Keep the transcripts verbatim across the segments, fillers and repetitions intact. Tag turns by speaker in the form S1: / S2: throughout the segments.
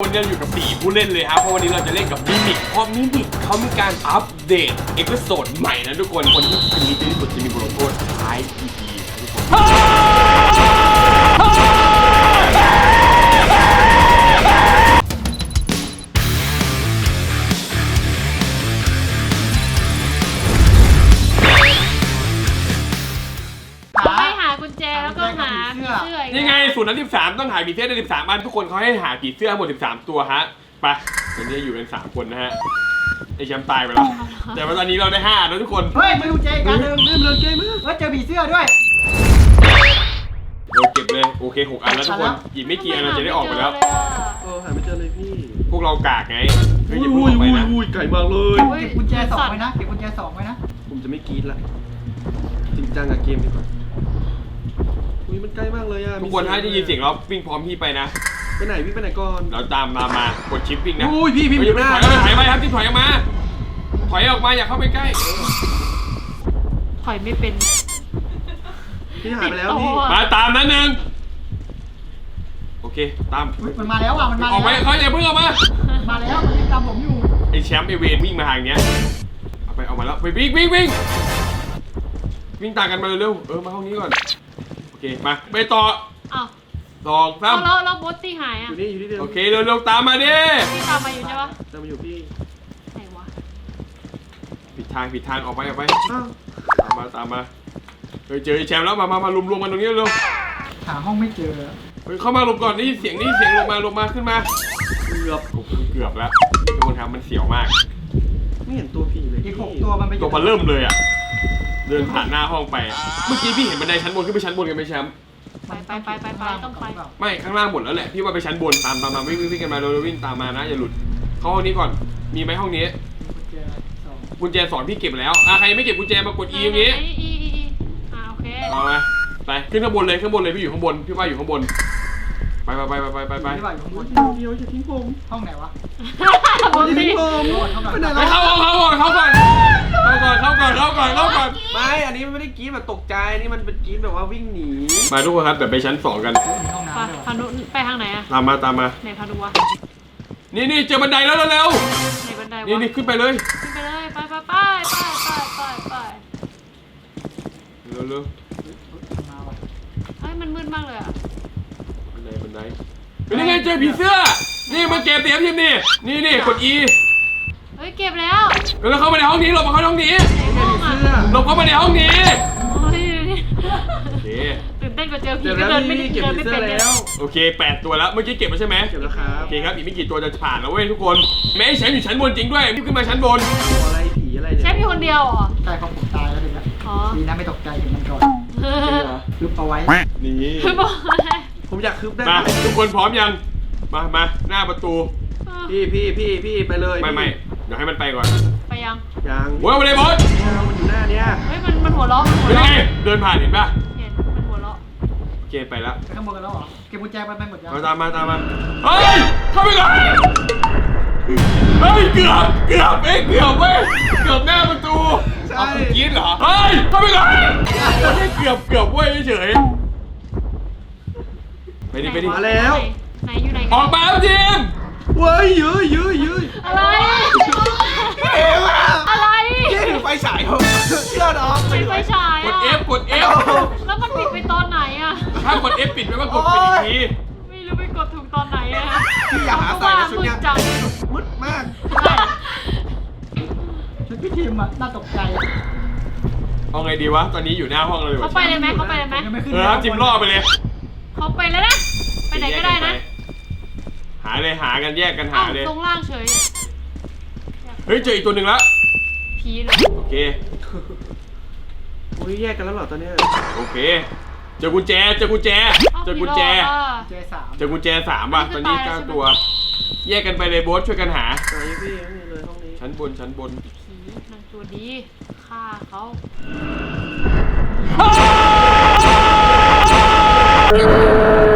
S1: วันนี้เราอยู่กับสี่ผู้เล่นเลยครับเพราะวันนี้เราจะเล่นกับมิมิกเพราะมิมิกเขามีการอัปเดตเอพิโซดใหม่นะทุกคนคนที่คืนนี้ที่สุดจะมีบทลงโทษท้าย อี พี นะทุกคน
S2: ให้หากุญแจแล้วก็หาผีเสื้อนี่
S1: ไงศูนย์นั้นสิบสามต้องหาผีเสื้อได้สิบสามอันทุกคนเขาให้หาผีเสื้อหมดสิบสามตัวฮะไปวันนี้อยู่กันสามคนนะฮะไอแชมป์ตายไปแล้วแต่ว่าตอนนี้เราได้ห้าแล้วทุกคน
S3: เฮ้ยมาดูเจกันหนึ่งลืมเลยเจมือเฮ้ยเจอผีเสื้อด้วย
S1: เราเก็บเลยโอเคหกอันแล้วทุกคนอีกไม่กี่อันเราจะได้ออกไปแล้ว
S4: เออหาไม่เจอเลยพี่
S1: พวกเรากากไงเฮ้ยอย่าพูดออกไปนะ
S4: อุ้ยไก่มากเลย
S3: เก็บกุญแจสองไว้นะเก็บกุญแจสองไว้นะ
S4: ผมจะไม่กรี๊ดละจริงจังกับเกมดีกว่าอุ้ยมันใกล้มากเลยอ่ะ
S1: ทุกคนถ้าได้ยินเสียงเราวิ่งพร้อมพี่ไปนะ
S4: ไปไหนพี่ไปไหนก่อน
S1: เราตามมามากดชิปวิ่งนะ
S4: อุ้ยพี่พี่อยู่หน้า
S1: ถอยถอยไปครับที่ถอยออกมาถอยออกมาอย่าเข้าไปใกล้
S2: ถอยไม่เป็น
S4: พี่หายไปแล้วพี่
S1: มาตามนั้นหนึ่งโอเคตาม
S3: มันมาแล้วอ่ะมันมา
S1: ออกไปเขาอย่าเพิ่งออกมา
S3: มาแล้วมันตามผมอยู่
S1: ไอแชมป์ไอเวนวิ่งมาทางเนี้ยเอาไปเอามาแล้วไปวิ่งวิ่งวิ่งวิ่งตามกันมาเร็วๆเออมาห้องนี้ก่อนโอเคมาไปต่อ
S2: อ้าว
S1: สองสาม
S2: แล้วแล้วบอสตี้หายอ่ะ
S4: อยู่นี่อยู่นี่เดียว
S1: โอเคเร็วๆตามมาดิ
S2: พี่ตามมาอยู่ใช่ปะ
S4: ตามมาอยู่พี่
S2: ไหนวะ
S1: ผิดทางผิดทางออกไปออกไปตามมาตามมาเฮ้ยเจอไอแชมป์แล้วมามามารวมๆกันตรงนี้เร็ว
S3: หาห้องไม่เจอ
S1: เฮ้ยเข้ามาลงก่อนนี่เสียงนี่เสียงลงมาลงมาขึ้นมา
S4: เกือบ
S1: เกือบแล้วทุกคนครับมันเสียวมาก
S4: ไม่เห็นตัวผีเลย
S3: อีกหกตัวมันไป
S1: ตัวมันเริ่มเลยอ่ะเดินผ่านหน้าห้องไปเมื่อกี้พี่เห็นบันไดชั้นบนขึ้นไปชั้นบนกันไหมแชมป์
S2: ไปไปไปไปไปต้องไป
S1: ไม่ข้างล่างหมดแล้วแหละพี่ว่าไปชั้นบนตามตามมาวิ่งวิ่งกันมาเร็ววิ่งตามมานะอย่าหลุดเข้าห้องนี้ก่อนมีไหมห้องนี้กุญแจสอนพี่เก็บแล้วอ่ะใครไม่เก็บกุญแจมากด E ตรงนี้
S2: E E E อ่าโอเค
S1: เอาไหมไปขึ้นข้างบนเลยข้างบนเลยพี่อยู่ข้างบนพี่ว่าอยู่ข้างบนไปไปไปไปไปไป
S4: เดียวจะทิ้งผม
S3: ห้องไหนวะ
S4: ทิ้งผม
S1: ไปเข้าเข้าเข้าก่อนเข้าก่อนเข้าก่อนเข้าก่อนเข้าก่อนเข้าก่อน
S4: ไม่อันนี้ไม่ได้กรี๊ดแบบตกใจนี่มันเป็นกรี๊ดแบบว่าวิ่งหนี
S1: มาทุกคนครับเดี๋ยวไปชั้นสองกัน
S2: พานุไปทางไหนอะ
S1: ตามมาตามมา
S2: ไหนพานุวะ
S1: นี่นี่เจอบันไดแล้วเร็ว
S2: ไหนบันไดวะ
S1: นี่นี่ขึ้นไปเลย
S2: ขึ้นไปเลยไปไปไปไปไปไปไป
S1: เร็วเร็ว
S2: เฮ้ยมันมืดมากเลยอะ
S1: บันไดบันไดเป็นยังไงเจอผีเสื้อนี่มาเก็บเตียมทีมนี่นี่นี่กด E
S2: เฮ้ยเก็บแล้ว
S1: แล้วเข้ามาในห้องนี้หลบมาเข้าห้องนี้หลบเข้ามาในห้องนี้โอเค
S2: ตื่นเต้นกว่าเจอผีก็เดินไม่ได้เดินไม่เป็นแล้ว
S1: โอเคแปดตัวแล้วเมื่อกี้เก็บมาใช่ไหม
S4: เก็บแล้วครับ
S1: โอเคครับอีกไม่กี่ตัวจะผ่านแล้วเว้ยทุกคนแม่แชมป์อยู่ชั้นบนจริงด้วยรีบขึ้นมาชั้นบน
S4: อะไรผีอะไร
S2: แชมป์อยู่คนเดียวเหรอ
S3: ใช่ของผมตายแล้วถึงแล้วดีนะไม่ตกใจถึงมันก่อนคืบเอาไว้
S1: นี่
S4: ผมอยากคืบได้
S1: มาทุกคนพร้อมยังมามาหน้าประตู
S4: พี่พี่พี่พี่ไปเลย
S1: ไม่ไม่เดี๋ยวให้มันไปก่อน
S2: ไปยัง
S4: ยัง
S1: โว้ยไปเลยบอส
S4: มันอยู่หน้าเนี้ย
S2: เฮ้ยมันมันหัวเราะ
S1: เป็นไงเดินผ่านเห็นป่ะ
S2: เห็นมันหัวเราะ
S1: โอเคไปแล้ว
S3: ไปข้างบนกันแล้วเหรอเก็บกุญแจไปไปหมดยัง
S1: มาตามมาตามมาเฮ้ยเข้าไปก่อนเฮ้ยเกือบเกือบเอ้เกือบเว้ยเกือบหน้าประตูเอาคุณกินเหรอเฮ้ยเข้าไปก่อนไม่เกือบเกือบเว้ยเฉยไปดิไปดิ
S4: มาแล้ว
S2: ไหนอยู่ไหน
S1: ออกมาทีม
S4: เว้ยยื้อยื้อยื้อ
S2: อะไร
S4: เอ๋ว่ะ
S2: อะไร
S4: ยี่ถือไฟฉายเขาเชื่อน้อง
S2: ไฟฉาย
S1: กด F กด F
S2: แล้วมันปิดไปตอนไหนอะ
S1: ถ้ากด F ปิดไม่ว่ากดปิดอีกที
S2: ไม่รู้ไปกดถูกตอนไหนอะ
S4: พี่อยากหาใส่ชุดเนี้ยมืดมาก
S3: ชุดพี่ทีมอะน่าตกใจ
S1: เอาไงดีวะตอนนี้อยู่หน้าห้องเลย
S2: เขาไปเลยไหมเขาไปเลยไหม
S1: เออจิมล่อไปเลย
S2: เขาไปแล้วนะไปไหนก็ได้นะ
S1: หาเลยหากันแยกกันหาเลย
S2: ตรงล่างเฉย
S1: เฮ้ยเจออีกตัวหนึ่งแล้ว
S2: ผีเลย
S1: โอเค
S4: อุ้ยแยกกันแล้วเหรอตอนนี้
S1: โอเคเจอกุญแจเจอกุญแจเจอกุญแจเจอกุญแจสามป่ะตอนนี้เก้าตัวแยกกันไปเลยโบ๊ทช่วยกันหา
S4: ไหนพี่นี่เลยห้องนี้
S1: ชั้นบนชั้นบน
S2: ผีนางตัวดีฆ่าเขา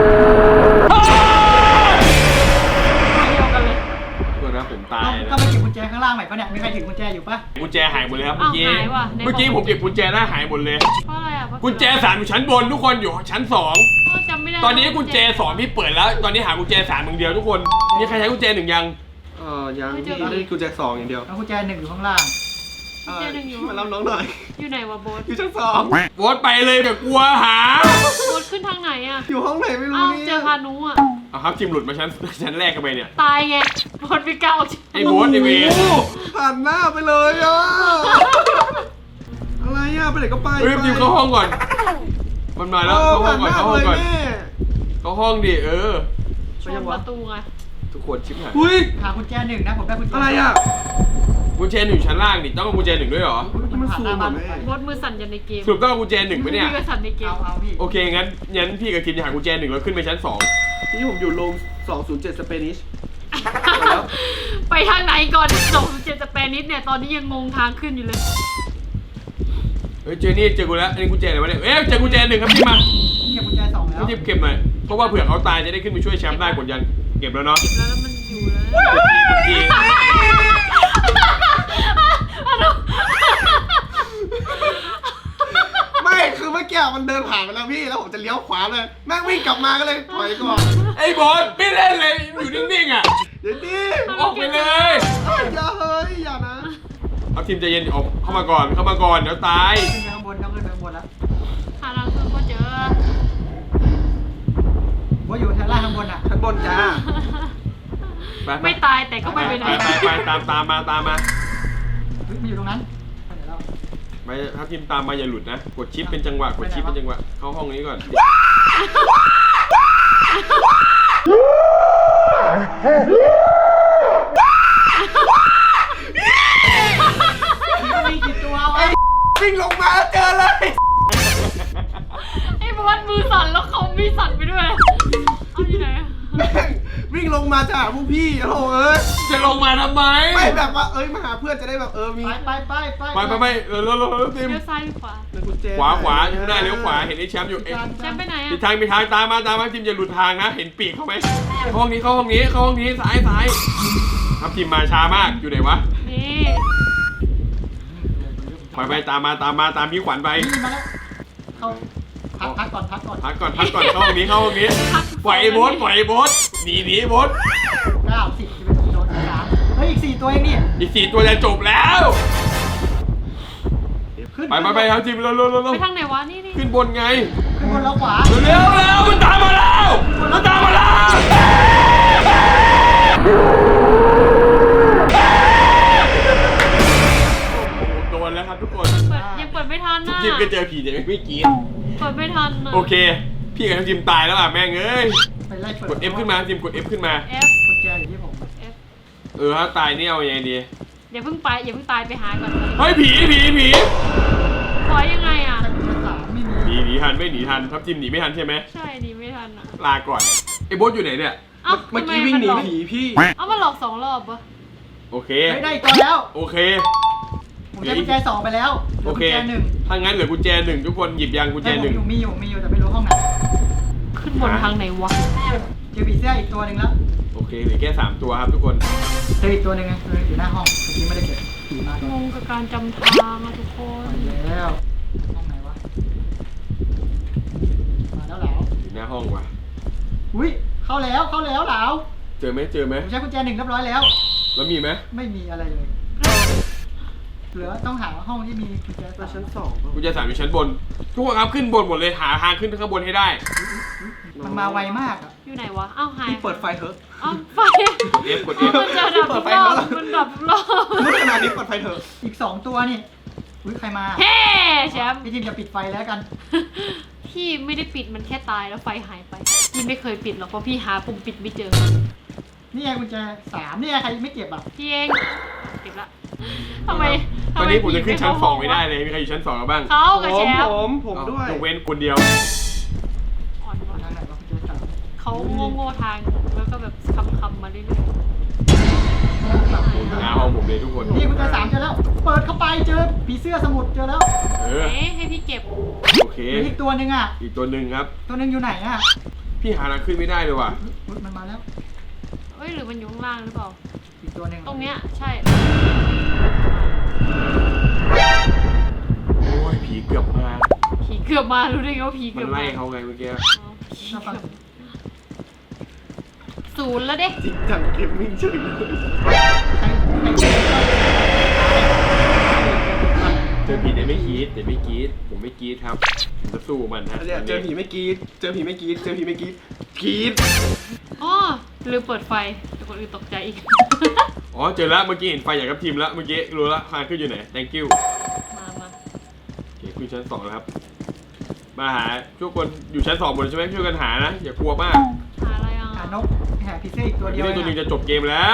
S1: ตัวนะผมตายนะ
S3: ก็ไม่เก็บกุญญแจข้างล่างใหม่ปะเนี่ยมีใครถือกุญแจอยู่ปะ
S1: กุญแจหายหมดเลยครับเมื่อกี้
S2: อ้าวหายว่ะไหนบอก
S1: เมื่อกี้ผมเก็บกุญแจได้หายหมดเลย
S2: เพราะอะไรอ่ะเพราะ
S1: กุญแจสามอยู่ชั้นบนทุกคนอยู่ชั้นสอง
S2: เออจำไม่ได้
S1: ตอนนี้กุญแจสองพี่เปิดแล้ว ตอนนี้หากุญแจสามอย่างเดียวทุกคนมีใครใช้กุญแจหนึ่งยัง
S4: เออยังพี่ได้กุญแจสองอย่างเดียว
S3: แล้วกุญแจหนึ่งอยู่ข้างล่าง
S4: เออมารับน้องหน่อย
S2: อยู่ไหนวะโบ๊ท
S4: อยู่ชั้นสอง
S1: โบสไปเลยแบบกลัวหา
S2: โบ๊ทขึ้นทางไหนอ่ะ
S4: อยู่ห้องไหนไม่รู้
S2: อ้าว
S4: นี่
S2: เจอพานุอ่ะ
S1: เอาครับทีมหลุดมาชั้นชั้นแรกกันไปเนี่ย
S2: ตายไงโบ๊ทไม่กล้าออกจาก
S1: ไอ้โบ๊ทไอ้เวร
S4: โอ้โหผ่านหน้าไปเลยอ่ะอะไรอ่ะไปไหนก็ไป
S1: เฮ้ยทีมเข้าห้องก่อน มันมาแล้ว
S4: เออ
S1: เข้าห้
S4: ผ่า
S1: อน ง
S4: ห
S1: ก่อน
S4: น้า
S1: เข้า
S4: ไป
S1: ห้อง
S4: เลย
S1: ก่อน
S4: แม่
S1: เข้าห้องดิเออ
S2: ชนประตูไง
S1: ทุกคนชิบหาย
S4: อุ้ย
S3: หากุญแจหนึ่งนะผมได้กุญแจ
S4: อะไรอ่ะ
S1: กุญแจหนึ่งชั้นล่างดิต้องเอากุญแจหนึ่งด้วยเหรอ
S3: อุ๊ยมันผ่านหน้าบ้าน
S4: มันสูง
S3: ไป
S4: อะแม่
S2: โบ๊ทมือสั่นยันในเกม
S1: สรุปต้องเอากุญแจหนึ่งไหมเนี่ย
S2: พี่ก็สั่นในเกม
S3: เอาเอาพี่
S1: โอเคงั้นงั้นพี่กับคิมจะหากุญแจหนึ่งแล้วขึ้นไปชั้นสอง
S4: นี่ผมอยู่โรงสองศูนย์เจ็ดสเปนิช
S2: ไปทางไหนก่อนสองเจ็ดสเปนิสเนี่ยตอนนี้ยังงงทางขึ้นอยู่เลย
S1: เฮ้ยเจอนี่เจอกูแล้วอันนี้กุญแจอะไรวะเนี่ยเอ๊ะเจอกุญแจหนึ่งครับพี่มา
S3: เก็บกุญแจสองแล้ว
S1: พี่เก็บหน่อยเพราะว่าเผื่อเขาตายจะได้ขึ้นไปช่วยแชมป์ได้กดยันเก็บแล้วเนาะ
S2: เก็บแล้วแล้วมันอยู่แล้ว
S1: กุญแจ
S4: ไม่คือเมื่อกี้มันเดินผ่านไปแล้วพี่แล้วผมจะเลี้ยวขวาเลยแม่งวิ่งกลับมาก็เลยถอยก่อน
S1: ไอ้บอสไม่เล่นเลยอยู่นิ่งๆอ่ะ
S4: เดี๋ยวดิ
S1: ออกไปเลย
S4: เอ้ยอย่าเฮ้ยอย่านะ
S1: เอาทีมใจเย็นออกเข้ามาก่อนเข้ามาก่อนเดี๋ยวตาย
S3: ขึ้นไปข้างบนต้องขึ้นไปข้างบนแล้ว
S2: หาทางขึ้นก็เจอ
S3: ว่าอยู่ชั้นล่างข้างบนอ่ะ
S4: ชั้นบนจ้า
S1: ไป
S2: ไม่ตายแต่ก็ไม่ไปไหน
S1: ไปไปตามตามมาตามมา
S3: เฮ้ยมันอยู่ตรงนั้นไปไหนแล้ว
S1: ไปถ้าทีมตามมาอย่าหลุดนะกดชิปเป็นจังหวะกดชิปเป็นจังหวะเข้าห้องนี้ก่อน
S3: มันมีกี่ตัววะ
S4: วิ่งลงมาเจอเลย
S2: ไอ้บอสมือสั่นแล้วเขามีสั่นไปด้วยเอาอยู่ไหนอะ
S4: แม่งวิ่งลงมาจะหาพวกพี่โอ้โหเอ้ย
S1: จะลงมาทำไม
S4: ไม่แบบว่าเอ้ยมาหาเพื่อนจะได้แบบเออมี
S3: ไปไปไปไป
S1: ไปไปไปเออเร็วเร็วเร็วทีม
S2: เลี้ยวซ้ายหรือขวา
S4: กุญแจ
S1: ขวาขวาข้างหน้าเลี้ยวขวาเห็นไอ้แชมป์อยู่เอ้ย
S2: แชมป์ไปไหน
S1: มี
S2: อะ
S1: ทางมีทางตามมาตามมาทีมอย่าหลุดทางนะเห็นปีกเขาไหมเข้าห้องนี้เข้าห้องนี้เข้าห้องนี้ซ้ายซ้ายครับทีมมาช้ามากอยู่ไหนวะ
S2: นี่
S1: ไปไปตามมาตามมาตามพี่ขวัญไป
S3: นี่มาแล้วเข้าพักพักก่อนพักก่อน
S1: พักก่อนพักก่อนเข้าห้องนี้เข้าห้องนี้ปล่อยไอ้โบ๊ทปล่อยไอ้โบ๊ทหนีหนีโบ๊ท
S3: เก้าสิบสิบเอ็ดสิบสองสิบสามเฮ้ยอีกสี่ตัวเองนี่
S1: อีกสี่ตัวจะจบแล้ว
S3: ขึ้น
S1: ไปไปไปครับทีมเร็วเร็วเร็วเร็ว
S2: ไปทางไหนวะนี่นี่
S1: ขึ้นบนไง
S3: ขึ้นบนแล้วขวา
S1: เร็วเร็วมันตามมาแล้วมันตามมาแล้วโดนแล้วครับทุกคน
S2: เปิดยังเปิดไม่ทันน่ะ
S1: ทีมก็เจอผีแต่ไม่กรีด
S2: เปิดไม่ทันน่ะ
S1: โอเค พี่กับทีมตายแล้วอ่ะแม่งเอ้ย
S3: ไปไล่เปิด
S1: กด F ขึ้นมาทีมกด F ขึ้นมา
S2: เอฟ
S3: กุญแจอยู่ที่ผม
S2: เอฟ
S1: เออถ้าตายนี่เอายังไงดี
S2: อย่าเพิ่งไปอย่าเพิ่งตายไปหาก่อน
S1: เฮ้ยผีผีผี
S2: ถอยยังไงอ่ะ
S3: แต่กุญแจสามไม่มี
S1: หนีหนีทันไม่หนีทันทับทีมหนีไม่ทันใช่ไหม
S2: ใช่ดีไม่ทันอ่ะ
S1: ลาก่อนไอ้โบ๊ทอยู่ไหนเนี่ย
S2: เอ้า
S4: เมื่อกี้วิ่งหนีผีพี่
S2: เอ้ามาหลอกสองรอบปะ
S1: โอเค
S3: เฮ้ยได้อีกตัวแล้ว
S1: โอเค
S3: ผมได้กุญแจสองไปแล้วหลื
S1: โอเค
S3: กุญแจหนึ่ง
S1: ถ้างั้นเหลือกุญแจหนึ่งทุกคนหยิบยางกุญแจ
S3: ให้ผ
S1: ห
S3: ม
S1: นึ่ง
S3: อยู่มีอยู่มีอยู่แต่ไม่รู้ห้องไหน
S2: ขึ้นบนทางไหนวะ
S3: เจอผีเสื้ออีกตัวหนึ่งแล้ว
S1: โอเคเหลือแค่สามตัวครับทุกคน
S3: เจออีกตัวหนึ่งไงตัวหนึงอยู่หน้าห้องเมื่อกี้ไม่ได้เก็บผีมาก่อน
S2: งงกับการจำทางอะทุกคน
S3: ไปแล้วห้องไหนวะมาแล้วเหลา
S1: อยู่หน้าห้องว่ะ
S3: อุ้ยเข้าแล้วเข้าแล้วเหลา
S1: เจอไหมเจอไหม
S3: ผมใช้กุญแจหนึ่งเรียบร้อยแล้ว
S1: แล้วมีไหม
S3: ไม่มีอะไรเลย เหลือต้องหาห้องที่มีกุญแจ
S4: ไป
S3: สาม
S4: ชั้นสอง
S1: กุญแจสามอยู่ชั้นบน ทุกคนครับขึ้นบนหมดเลยหาทางขึ้นข้างบนให้ได้
S3: มันมาไวมากอ่ะ
S2: อยู่ไหนวะ เอ้าหาย
S4: พี่เปิดไฟเถอะ
S2: เอ้าไฟ
S1: กด F กด F
S2: มันจะดับ
S4: เปิดไฟ
S2: รอบ
S4: แล้ว
S2: มันดับรอบ
S4: มืดขนาดนี้เปิดไฟเถอะ
S3: อีกสองตัวนี่อุ้ยใครมา
S2: เฮ้แชมป์
S3: พี่ทีมจะปิดไฟแล้วกัน
S2: พี่ไม่ได้ปิดมันแค่ตายแล้วไฟหายไป พี่ไม่เคยปิดหรอกเพราะพี่หาปุ่มปิดไม่เจอ
S3: นี่ไงกุญแจสามนี่ไงใครไม่เก็บอ่ะ
S2: พี่เองเก็บละทำไม
S1: ตอนนี้ผมจะขึ้นชั้นสอง
S2: ผี
S1: ไม่ได้เลยมีใครอยู่ชั้นสองกันบ้าง
S2: เขา
S4: ผ
S2: กับแช
S4: ม
S2: ม
S4: ผ
S2: ป์
S4: มผมด้วย
S1: ยกเว้นคนเดียว
S2: อ่อนว่ะ
S3: ทางไหนวะกุญแจสาม
S2: เขาโง่ๆทางแล้วก็แบบคำๆมาเรื่อย
S1: หน้าห้องผมเลยทุกคน
S3: นี่กุญแจสามเจอแล้ว เปิดเข้าไปเจอผีเสื้อสมุดเจอแล้ว
S1: เอ
S2: ๆ
S1: อ
S2: เอ๊ะให้พี่เก็บ
S1: โอเค
S3: เหลืออีกตัวหนึ่งอ่ะ
S1: อีกตัวหนึ่งครับ
S3: ตัวหนึ่งอยู่ไหนอ่ะ
S1: พี่หาทางขึ้นไม่ได้เลยว่ะ
S3: อุ๊ยมันมาแล้ว
S2: เอ้ยหรือมันอยู่ข้างล่างหรือเปล่า
S3: อีกตัวหนึ่ง
S2: ตรงเนี้ยใช่
S1: โอ้ยผีเกือบมา
S2: ผีเกือบมารู้ได้ไงว่าผี
S1: มั
S2: เกือน บ
S1: ไล่
S2: มา
S1: เขาไงเมื่อกี้
S2: อ๋อผีเกือบศูนย์แล้วเด้
S4: จริงจังเกมมิ่งเฉยเลย
S1: เจอผีเดี๋ยวไม่กรีดเดี๋ยวไม่กรีดผมไม่กรีดครับผมจะสู้มันฮะ
S4: เนี่ยเจอผีไม่กรีดเจอผีไม่กรีดเจอผีไม่กรีดกรีด
S2: อ๋อลืมเปิดไฟแต่คนอื่นตกใจอีก
S1: อ๋อเจอแล้วเมื่อกี้เห็นไฟอย่างกับทีมแล้วเมื่อกี้รู้แล้วคานขึ้นอยู่ไหน thank you
S2: มามา
S1: โอเคขึ้นชั้นสองแล้วครับมาหาทุกคนอยู่ชั้นสองหมดใช่ไหมช่วยกันหานะอย่ากลัวมาก
S2: หาอะไรอ่ะ
S3: หานกหาพิเศษอีกตัวเดี
S1: พี่
S3: ยว
S1: เล่นตัวหนึง
S3: เอง
S1: จะจบเกมแล้ว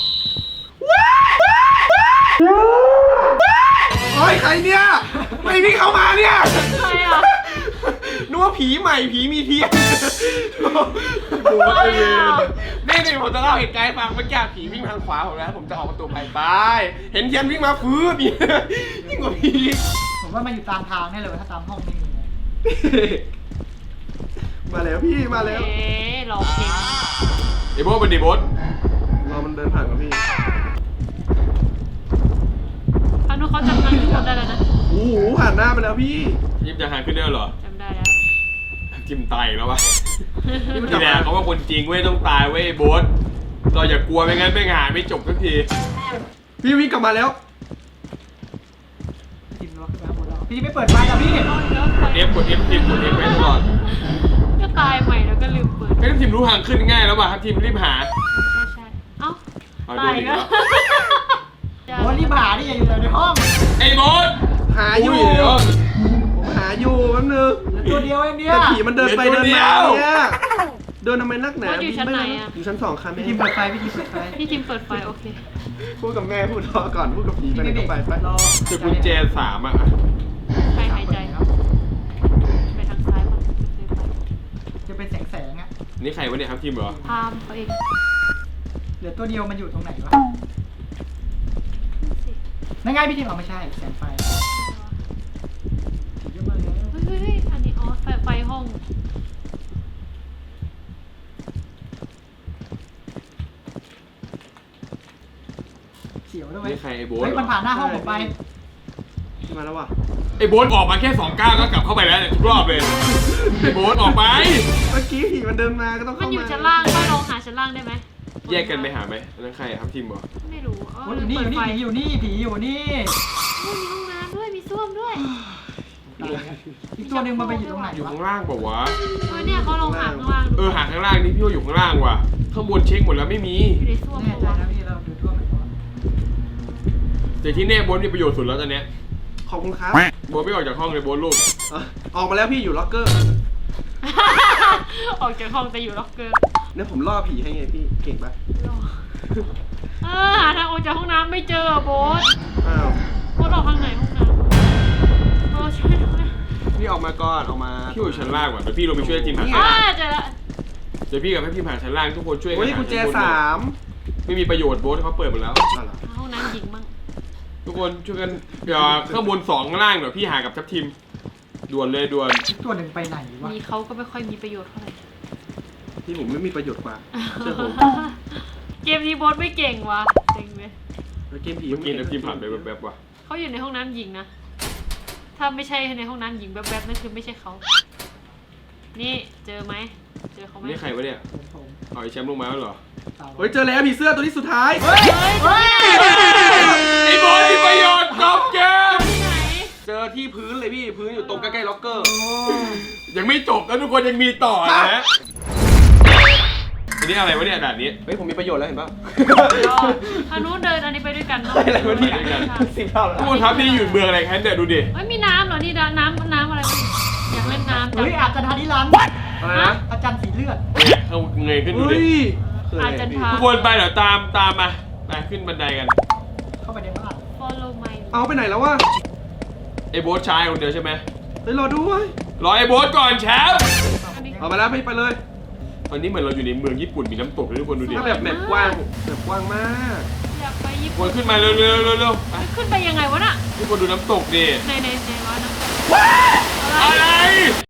S4: โอ้ยใครเนี่ยไม่นี่เข้ามาเนี่ย
S2: ใครอ่ะ
S1: นึกว่าผีใหม่ผีมีเทียน
S2: ใครอ่ะ
S1: นี่นี่ผมจะเล่าเหตุการณ์ให้ฟังเมื่อกี้ผีวิ่งทางขวาผมนะผมจะออกประตูไปไปเห็นเทียนวิ่งมาฟื้นนี่ยิ่งกว่าผี
S3: ผมว่ามันอยู่ตามทางแน่เลยถ้าตามห้องไม่มี
S4: มาแล้วพี่มาแล้ว
S2: เอ๊ะหลอกเก่ง
S1: ไอ้โบ๊ทเป็นดิโบ๊ท
S4: รอมันเดินผ่านกับพี่
S2: พานุเขาจำนำทุกคนได้แล้วนะ
S4: โอ้โหผ่านหน้าไปแล้วพี่
S1: ยิบจะหาขึ้นได้เหรอ
S2: จำได้แล้ว
S1: จิมตายอีกแล้ววะนี่แหละเขาว่าคนจริงเว้ยต้องตายเว้ยไอ้โบ๊ทเราอย่ากลัวไม่งั้นไม่งานไม่จบสักที
S4: พี่วิ่งกลับมาแล้ว
S3: พี่ทิมล็อกขึ้นไปข้างบนแล้วพี่ไม่เปิดไฟแล้วพี่
S2: เอาอีกแล้วไฟ
S1: เอฟกดเอฟทีมกดเอฟไว้ตลอด
S2: ก็ตายใหม่แล้วก็ลืมเปิด
S1: ให้ทีมรู้ทางขึ้นง่ายแล้วป่ะครับทีมรีบหา
S2: ใช่ใช่เอ้า
S1: เอา
S2: ตาย
S1: โดนอี
S2: อี
S1: ก
S2: ก
S1: แล้
S2: แล้ว ว
S3: โอ้รีบหาดิอย่าอยู่แต่ในห้อง
S1: ไอ้โบ๊ท
S4: หาอยู่
S1: เดี๋ยว
S4: ผมหาอยู่แป๊บนึง
S3: เหลือตัวเดียวเองเนี่ย
S4: แต่ผีมันเดินไป
S1: เหลื
S4: เดิ
S1: อน ตัวเดี
S4: มา
S1: ยว
S4: เนี่ยเดินทำไมนักหนา
S2: ว่าอยู่ชั้นไหนอะ
S4: อยู่ชั้นสองค่ะแม่
S3: พี่ทิมเปิดไฟพี่ทิมเปิดไฟ
S2: พี่ทีมเปิดไฟโอเค
S4: พูดกับแม่พูดรอก่อนพูดกับผีไปไหนก็ไปไป
S3: รอ
S1: เจอกุญแจสามอ่ะ
S2: ใครหายใจไปทางซ้ายป่ะไม่เคยไป
S3: จะเป็นแสงแสงๆอ่ะ
S1: นี่ใครวะเนี่ยครับทีมเหรอ
S2: พามเขาเอง
S3: เหลือตัวเดียวมันอยู่ตรงไหนวะ
S2: สิ
S3: นั่นไงพี่ทิมเอาไม่ใช่แสงไฟผีเยอะมากเลย
S2: เฮ้ยเฮ้ยเฮ้ยอันนี้อ๋อไฟไฟห้อง
S3: เสียวด้วย
S1: นี่ใครไอ้โบ๊ท
S3: เฮ้ยมันผ่านหน้าห้องผมไป
S4: มาแล้วว่ะ
S1: ไอ้โบ๊ทออกมาแค่สองก้าวก็กลับเข้าไปแล้วเนี่ยทุกรอบเลยไอ้โบ๊ทออกไป
S4: เมื่อกี้ผีมันเดินมาก็ต้อง
S2: มั
S4: เข้าน มา
S2: อยู่ชั้นล่างป้าลองหาชั้นล่างได้ไหม
S1: แยกกันไปหาไหมอันนั้นใครครับทีมเหรอ
S2: ไม่รู้เอ
S3: โอ้
S2: อย
S3: อยู่นี่
S2: เปิดไฟ
S3: อยู่นี่ผีอยู่นี่ผีอยู่นี่
S2: เฮ้ยมีห้องน้ำด้วยมีส้วมด้วย
S3: อีกตัวหนึ่งมันไปอยู่ตรงไหน
S1: อยู่
S3: วะ
S1: ข้างล่างเปล่าวะ
S2: เออเนี่ยเขาลองหาข้างล่างดู
S1: เออหาข้างล่างนี่พี่ว่าอยู่ข้างล่างว่ะข้างบนเช็คหมดแล้วไม่มี
S2: อยู่ในส้วม
S3: แน่
S2: ปะ
S3: ใจ
S2: วะ
S3: นะพี่เราดูทั่วไปก่อน
S1: แต่ที่แน่โบ๊ทมีประโยชน์สุดแล้วตอนเนี้ย
S4: ขอบคุณครับ
S1: โบ๊ทไม่ออกจากห้องเลยโบ๊ทลูก
S4: อ่ะออกมาแล้วพี่อยู่ล็อกเกอร์
S2: ออกจากห้องแต่อยู่ล็อกเกอร์
S4: เนี่ยผมล่อผีให้ไงพี่เก่งปะ
S2: รอเออหาทางออกจากห้องน้ำไม่เจออะโบ๊ท
S4: อ้าว
S2: โบ๊ทออกทางไหนห้องน้ำเออช่วยด้วย
S4: พี่ออกมาก่อนออกมา
S1: พี่อยู่ชั้นล่างว่ะเดี๋ยวพี่ลงไปช่วยทีมหาชั้น
S2: อ่า
S1: ล่าง
S2: เจอละ
S1: เดี๋ยวพี่กับให้ทีมหาชั้นล่างทุกคนช่วยกัน
S4: โอ้ย
S1: หา
S4: กุญแจ
S1: ชั้นบน
S4: สาม
S1: ไม่มีประโยชน์โบ๊ทเขาเปิดหมดแล้ว
S4: อ้าวเหรอ
S2: หาห้องน้ำหญิงมั่ง
S1: ทุกคนช่วยกันเดี๋ยวข้างบนสองข้างล่างเดี๋ยวพี่หากับทัพทีมด่วนเลยด่วน
S3: อีกตัวหนึ่งไปไหนวะ
S2: มีเขาก็ไม่ค่อยมีประโยชน์เท่าไหร่
S4: พี่ผมไม่มีประโยชน์กว่าเชื่อผม
S2: เกมนี้โบ๊ทไม่เก่งวะเจ๋งเลย
S4: แล้วเกมผี
S1: เมื่อกี้ทัพทีมผ่านไปแบบๆว่ะ
S2: เขาอยู่ในห้องน้ำหญิงนะ ถ้าไม่ใช่ในห้องน้ำหญิงแบบๆนั่นคือไม่ใช่เขา นี่เจอไหม เจอเขาไหม
S1: นี่ใครวะเนี่ย
S3: ผมผม
S1: เอาไอ้แชมป์ลงมาแล้วเหรอ
S3: เต่า
S4: เฮ้ยเจอแล้วผีเสื้อตัวนี้สุดท้าย
S2: เฮ้ยเฮ้ยเฮ้ย
S1: ไอ้โบ๊ทมีประโยชน์จบเกม
S2: ที่ไหน
S4: เจอที่พื้นเลยพี่พื้นอยู่ตรงใกล้ๆล็อกเกอร์
S1: ยังไม่จบแล้วทุกคนยังมีต่อนะอันนี้อะไรวะเนี่ยด่านนี้
S4: เฮ้ยผมมีประโยชน์แล้วเห็นป่ะ
S2: รอทางนู้นเดินอันนี้ไปด้วยกันเนาะ
S4: อะไรวะเนี่ย
S1: ไปด้วยกัน
S4: สิบเท่าแล้ว
S1: ทุกคนครับนี่อยู่เมืองอะไรครับเนี่ยดูดิ
S2: เฮ้ยมีน้ำเหรอ นี่น้ำน้ำน้ำอะไรวะอยากเล่นน้ำจัง
S3: เฮ้ยอาจารย์ธานิรันดร์
S4: อะไรนะ
S3: อาจารย์สีเลือด
S1: เนี่ยเขาเงยขึ้นดู
S4: เฮ้
S1: ดิ
S4: ยคืออะไร
S2: อาจารย์
S4: พี่
S2: พา
S1: ทุกคนไปเดี๋ยวตามตามมาไปขึ้นบันไดกัน
S3: เข้าไปในบ้าน
S2: follow my
S4: เอาไปไหนแล้ววะ
S1: ไอ้โบ๊ทชายคนเดียวใช่ไหม
S4: เฮ้ยรอด้วย
S1: รอไอ้โบ๊ทก่อนแชมป์
S2: อันนี้
S4: เอามาแล้วพี่ไปเลย
S1: ตอนนี้เหมือนเราอยู่ในเมืองญี่ปุ่นมีน้ำตกเลยทุกคนดูดิ
S4: ถ้าแบบแบบกว้างแบบกว้างมาก
S2: อยากไปญี่
S1: ทุกค
S2: ปุ่น
S1: นขึ้นมาเร็วเร็วเร็วเร็วไป
S2: ขึ้นไปยังไงวะน่ะ
S1: ทุกคนดูน้ำตกดิ
S2: ในในในวะนะ
S1: อะไร